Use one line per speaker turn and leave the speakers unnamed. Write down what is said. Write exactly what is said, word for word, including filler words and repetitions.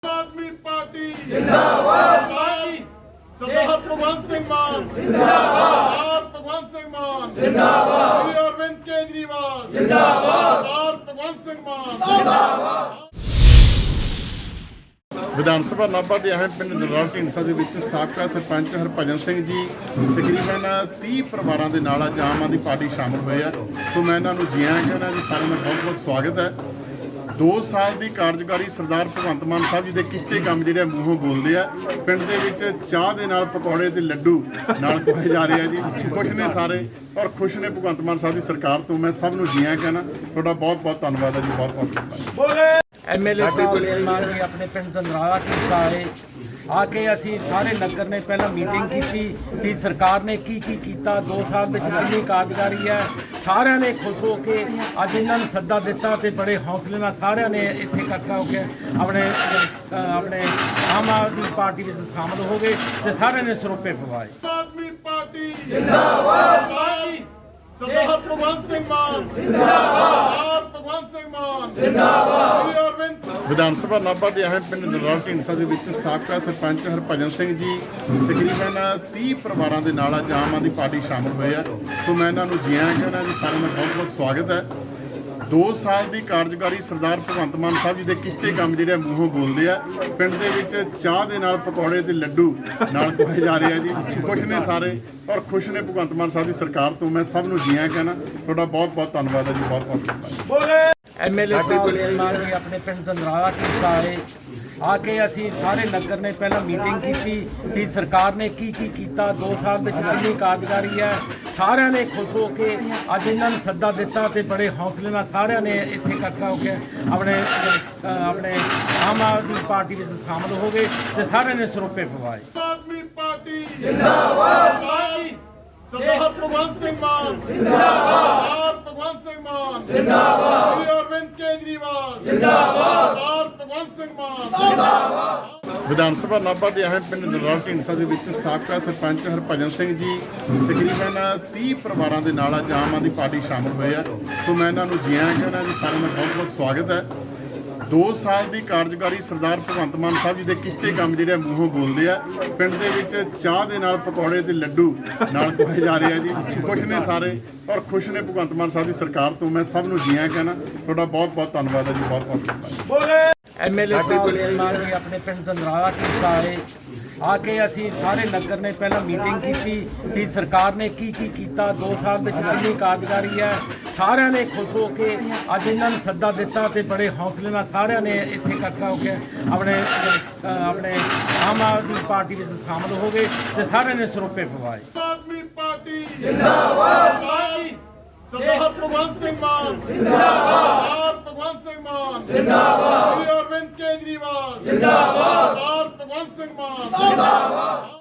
आदमी पार्टी
जिंदाबाद
सरदार भगवंत सिंह मान
जिंदाबाद
सरदार भगवंत सिंह मान
जिंदाबाद
श्री अरविंद केजरीवाल
जिंदाबाद
सरदार भगवंत सिंह मान
जिंदाबाद
ਵਿਧਾਨ ਸਭਾ ਨਾਭਾ ਦੇ ਅਹਿਮ ਪਿੰਡ ਨਰੌਲ ਢੀਂਡਸਾ ਦੇ ਵਿੱਚ ਸਾਬਕਾ ਸਰਪੰਚ ਹਰਭਜਨ ਸਿੰਘ ਜੀ ਤਕਰੀਬਨ ਤੀਹ ਪਰਿਵਾਰਾਂ ਦੇ ਨਾਲ ਅੱਜ ਆਮ ਆਦਮੀ ਪਾਰਟੀ ਸ਼ਾਮਲ ਹੋਏ ਆ। ਸੋ ਮੈਂ ਇਹਨਾਂ ਨੂੰ ਜੀ ਆਇਆਂ ਕਹਿੰਦਾ ਜੀ, ਸਾਰਿਆਂ ਦਾ ਬਹੁਤ ਬਹੁਤ ਸਵਾਗਤ ਹੈ। ਦੋ ਸਾਲ ਦੀ ਕਾਰਜਕਾਰੀ ਸਰਦਾਰ ਭਗਵੰਤ ਮਾਨ ਸਾਹਿਬ ਜੀ ਦੇ ਕੀਤੇ ਕੰਮ ਜਿਹੜੇ ਮੂੰਹੋਂ ਬੋਲਦੇ ਆ। ਪਿੰਡ ਦੇ ਵਿੱਚ ਚਾਹ ਦੇ ਨਾਲ ਪਕੌੜੇ ਤੇ ਲੱਡੂ ਨਾਲ ਖਵਾਏ ਜਾ ਰਹੇ ਆ ਜੀ। ਖੁਸ਼ ਨੇ ਸਾਰੇ ਔਰ ਖੁਸ਼ ਨੇ ਭਗਵੰਤ ਮਾਨ ਸਾਹਿਬ ਦੀ ਸਰਕਾਰ ਤੋਂ। ਮੈਂ ਸਭ ਨੂੰ ਜੀ ਆਇਆਂ ਕਹਿੰਦਾ, ਤੁਹਾਡਾ ਬਹੁਤ ਬਹੁਤ ਧੰਨਵਾਦ ਹੈ ਜੀ, ਬਹੁਤ ਬਹੁਤ ਧੰਨਵਾਦ।
ਐਮਐਲਏ ਸਾਹਿਬ ਮਾਨ ਜੀ ਆਪਣੇ ਪਿੰਡ ਦੰਦਰਾਲਾ ਢੀਂਡਸਾ ਆਏ ਆ ਕੇ ਅਸੀਂ ਸਾਰੇ ਨਗਰ ਨੇ ਪਹਿਲਾਂ ਮੀਟਿੰਗ ਕੀਤੀ ਕਿ ਸਰਕਾਰ ਨੇ ਕੀ ਕੀ ਕੀਤਾ, ਦੋ ਸਾਲ ਵਿੱਚ ਕਿੰਨੀ ਕਾਰਜਕਾਰੀ ਹੈ। ਸਾਰਿਆਂ ਨੇ ਖੁਸ਼ ਹੋ ਕੇ ਅੱਜ ਇਹਨਾਂ ਨੂੰ ਸੱਦਾ ਦਿੱਤਾ ਤੇ ਬੜੇ ਹੌਸਲੇ ਨਾਲ ਸਾਰਿਆਂ ਨੇ ਇੱਥੇ ਇਕੱਠਾ ਹੋ ਕੇ ਆਪਣੇ ਆਪਣੇ ਆਮ ਆਦਮੀ ਪਾਰਟੀ ਵਿੱਚ ਸ਼ਾਮਲ ਹੋ ਗਏ ਤੇ ਸਾਰਿਆਂ ਨੇ ਸਰੋਪੇ ਪਵਾਏ।
ਆਦਮੀ ਪਾਰਟੀ
जिंदाबाद
सरदार भगवंत सिंह मान
जिंदाबाद
सरदार भगवंत सिंह मान
जिंदाबाद
श्री अरविंद ਵਿਧਾਨ ਸਭਾ ਨਾਭਾ ਦੇ ਅਹਿਮ ਪਿੰਡ ਨਰੌਲ ਢੀਂਡਸਾ ਦੇ ਵਿੱਚ ਸਾਬਕਾ ਸਰਪੰਚ ਹਰਭਜਨ ਸਿੰਘ ਜੀ ਤਕਰੀਬਨ ਤੀਹ ਪਰਿਵਾਰਾਂ ਦੇ ਨਾਲ ਅੱਜ ਆਮ ਆਦਮੀ ਪਾਰਟੀ ਸ਼ਾਮਲ ਹੋਏ ਆ। ਸੋ ਮੈਂ ਇਹਨਾਂ ਨੂੰ ਜੀ ਆਇਆਂ ਕਹਿੰਦਾ ਜੀ, ਸਾਰਿਆਂ ਦਾ ਬਹੁਤ ਬਹੁਤ ਸਵਾਗਤ ਹੈ। ਦੋ ਸਾਲ ਦੀ ਕਾਰਜਕਾਰੀ ਸਰਦਾਰ ਭਗਵੰਤ ਮਾਨ ਸਾਹਿਬ ਜੀ ਦੇ ਕੀਤੇ ਕੰਮ ਜਿਹੜੇ ਮੂੰਹੋਂ ਬੋਲਦੇ ਆ। ਪਿੰਡ ਦੇ ਵਿੱਚ ਚਾਹ ਦੇ ਨਾਲ ਪਕੌੜੇ ਤੇ ਲੱਡੂ ਨਾਲ ਖਵਾਏ ਜਾ ਰਹੇ ਆ ਜੀ। ਖੁਸ਼ ਨੇ ਸਾਰੇ ਔਰ ਖੁਸ਼ ਨੇ ਭਗਵੰਤ ਮਾਨ ਸਾਹਿਬ ਦੀ ਸਰਕਾਰ ਤੋਂ। ਮੈਂ ਸਭ ਨੂੰ ਜੀ ਆਇਆਂ ਕਹਿੰਦਾ, ਤੁਹਾਡਾ ਬਹੁਤ ਬਹੁਤ ਧੰਨਵਾਦ ਹੈ ਜੀ, ਬਹੁਤ ਬਹੁਤ ਧੰਨਵਾਦ।
ਐਮਐਲਏ ਸਾਹਿਬ ਮਾਨ ਜੀ ਆਪਣੇ ਪਿੰਡ ਦੰਦਰਾਲਾ ਢੀਂਡਸਾ ਆਏ ਆ ਕੇ ਅਸੀਂ ਸਾਰੇ ਨਗਰ ਨੇ ਪਹਿਲਾਂ ਮੀਟਿੰਗ ਕੀਤੀ ਕਿ ਸਰਕਾਰ ਨੇ ਕੀ ਕੀ ਕੀਤਾ, ਦੋ ਸਾਲ ਵਿੱਚ ਕਿੰਨੀ ਕਾਰਜਕਾਰੀ ਹੈ। ਸਾਰਿਆਂ ਨੇ ਖੁਸ਼ ਹੋ ਕੇ ਅੱਜ ਇਹਨਾਂ ਨੂੰ ਸੱਦਾ ਦਿੱਤਾ ਤੇ ਬੜੇ ਹੌਸਲੇ ਨਾਲ ਸਾਰਿਆਂ ਨੇ ਇੱਥੇ ਇਕੱਠਾ ਹੋ ਕੇ ਆਪਣੇ ਆਪਣੇ ਆਮ ਆਦਮੀ ਪਾਰਟੀ ਵਿੱਚ ਸ਼ਾਮਲ ਹੋ ਗਏ ਤੇ ਸਾਰਿਆਂ ਨੇ ਸਰੋਪੇ ਪਵਾਏ।
ਆਦਮੀ ਪਾਰਟੀ
जिंदाबाद
सरदार भगवंत सिंह मान
जिंदाबाद
सरदार भगवंत सिंह मान
जिंदाबाद
श्री अरविंद केजरीवाल
जिंदाबाद
सरदार भगवंत सिंह मान
जिंदाबाद
ਵਿਧਾਨ ਸਭਾ ਨਾਭਾ ਦੇ ਅਹਿਮ ਪਿੰਡ ਨਰੌਲ ਢੀਂਡਸਾ ਦੇ ਵਿੱਚ ਸਾਬਕਾ ਸਰਪੰਚ ਹਰਭਜਨ ਸਿੰਘ ਜੀ ਤਕਰੀਬਨ ਤੀਹ ਪਰਿਵਾਰਾਂ ਦੇ ਨਾਲ ਅੱਜ ਆਮ ਆਦਮੀ ਪਾਰਟੀ ਸ਼ਾਮਲ ਹੋਏ ਆ। ਸੋ ਮੈਂ ਇਹਨਾਂ ਨੂੰ ਜੀ ਆਇਆਂ ਕਹਿੰਦਾ ਜੀ, ਸਾਰਿਆਂ ਦਾ ਬਹੁਤ ਬਹੁਤ ਸਵਾਗਤ ਹੈ। ਦੋ ਸਾਲ ਦੀ ਕਾਰਜਕਾਰੀ ਸਰਦਾਰ ਭਗਵੰਤ ਮਾਨ ਸਾਹਿਬ ਜੀ ਦੇ ਕੀਤੇ ਕੰਮ ਜਿਹੜੇ ਮੂੰਹੋਂ ਬੋਲਦੇ ਆ। ਪਿੰਡ ਦੇ ਵਿੱਚ ਚਾਹ ਦੇ ਨਾਲ ਪਕੌੜੇ ਤੇ ਲੱਡੂ ਨਾਲ ਖਵਾਏ ਜਾ ਰਹੇ ਆ ਜੀ। ਖੁਸ਼ ਨੇ ਸਾਰੇ ਔਰ ਖੁਸ਼ ਨੇ ਭਗਵੰਤ ਮਾਨ ਸਾਹਿਬ ਦੀ ਸਰਕਾਰ ਤੋਂ। ਮੈਂ ਸਭ ਨੂੰ ਜੀ ਆਇਆਂ ਕਹਿੰਦਾ, ਤੁਹਾਡਾ ਬਹੁਤ ਬਹੁਤ ਧੰਨਵਾਦ ਹੈ ਜੀ, ਬਹੁਤ ਬਹੁਤ ਧੰਨਵਾਦ।
ਐਮਐਲਏ ਸਾਹਿਬ ਮਾਨ ਜੀ ਆਪਣੇ ਪਿੰਡ ਦੰਦਰਾਲਾ ਢੀਂਡਸਾ ਆਏ ਆ ਕੇ ਅਸੀਂ ਸਾਰੇ ਨਗਰ ਨੇ ਪਹਿਲਾਂ ਮੀਟਿੰਗ ਕੀਤੀ ਕਿ ਸਰਕਾਰ ਨੇ ਕੀ ਕੀ ਕੀਤਾ, ਦੋ ਸਾਲ ਵਿੱਚ ਕਿੰਨੀ ਕਾਰਜਕਾਰੀ ਹੈ। ਸਾਰਿਆਂ ਨੇ ਖੁਸ਼ ਹੋ ਕੇ ਅੱਜ ਇਹਨਾਂ ਨੂੰ ਸੱਦਾ ਦਿੱਤਾ ਤੇ ਬੜੇ ਹੌਸਲੇ ਨਾਲ ਸਾਰਿਆਂ ਨੇ ਇੱਥੇ ਇਕੱਠਾ ਹੋ ਕੇ ਆਪਣੇ ਆਪਣੇ ਆਮ ਆਦਮੀ ਪਾਰਟੀ ਵਿੱਚ ਸ਼ਾਮਲ ਹੋ ਗਏ ਤੇ ਸਾਰਿਆਂ ਨੇ ਸਰੋਪੇ ਪਵਾਏ।
ਆਦਮੀ ਪਾਰਟੀ
जिंदाबाद
सरदार भगवंत सिंह मान
जिंदाबाद
सरदार भगवंत सिंह मान
जिंदाबाद
श्री अरविंद केजरीवाल
जिंदाबाद
सरदार भगवंत सिंह मान
जिंदाबाद